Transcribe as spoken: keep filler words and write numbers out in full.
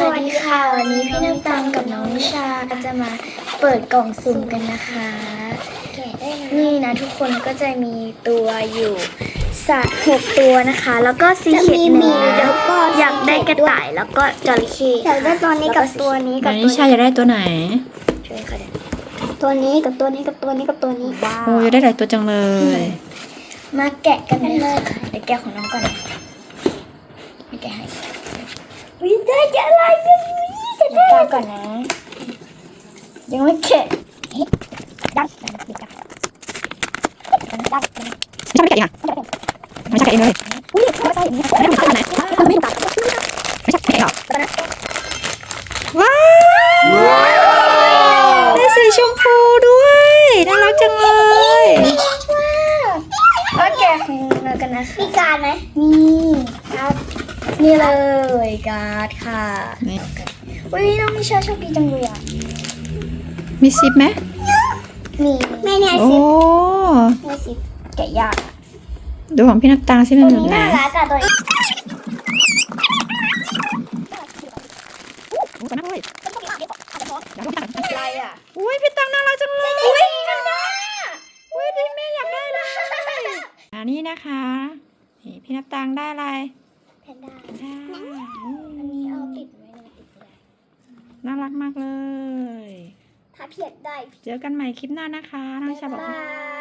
วัสดีค่ะวันนี้พี่น้ำตาลกับน้องนิชาจะมาเปิดกล่องสุ่มกันนะคะนี่นะทุกคนก็จะมีตัวอยู่สัตว์หกตัวนะคะ แล้วก็ซีเค็ดหนึ่งแล้วก็อยากได้กระต่ายแล้วก็จระเข้อยากได้ตัวนี้กับตัวนี้กับนิชาอยากได้ตัวไหนช่วยค่ะตัวนี้กับตัวนี้กับตัวนี้กับตัวนี้บ้าโอ้ยได้หลายตัวจังเลยมาแกะกันเลยค่ะเดี๋ยวแกะของน้องก่อนไม่แกะให้วิได้จะอะไรกันวิจะได้ก่อนนะยังไม่แกะดักดักดักดักไม่ใช่ไม่แกะเองอ่ะไม่ใช่แกะเองเลยอุ้ยไม่ใช่ไม่ใช่ไม่ได้ตัวไหนไม่ตัดไม่ใช่แกะเองหรอตัวนั้นว้าวได้สีชมพูด้วยน่ารักจังเลยก็แกะของเรากันนะมีการไหมมีการนี่เลยการ์ดค่ะนี่อุ้ยน้องมิชาโชคดีจังเลยอ่ะมีซิปไหมมีไม่แน่โอ้สิไม่สิแกะยากดูของพี่นักตาสิมันตัวอยู่นี้ไหนน่ารักอะตัวนี้โอ้ตัวน่ารักเลยอะไรอ่ะอุ้ยพี่ตังน่ารักจังเลยอุ้ยอุ้ยที่แม่อยากได้เลยอันนี้นะคะนี่พี่นักตังได้อะไรแพนด้าได้อันนี้เอาติดไว้ในติดเลยน่ารักมากเลยถ้าเพียดได้เจอกันใหม่คลิปหน้านะคะน้องชาบอกบาย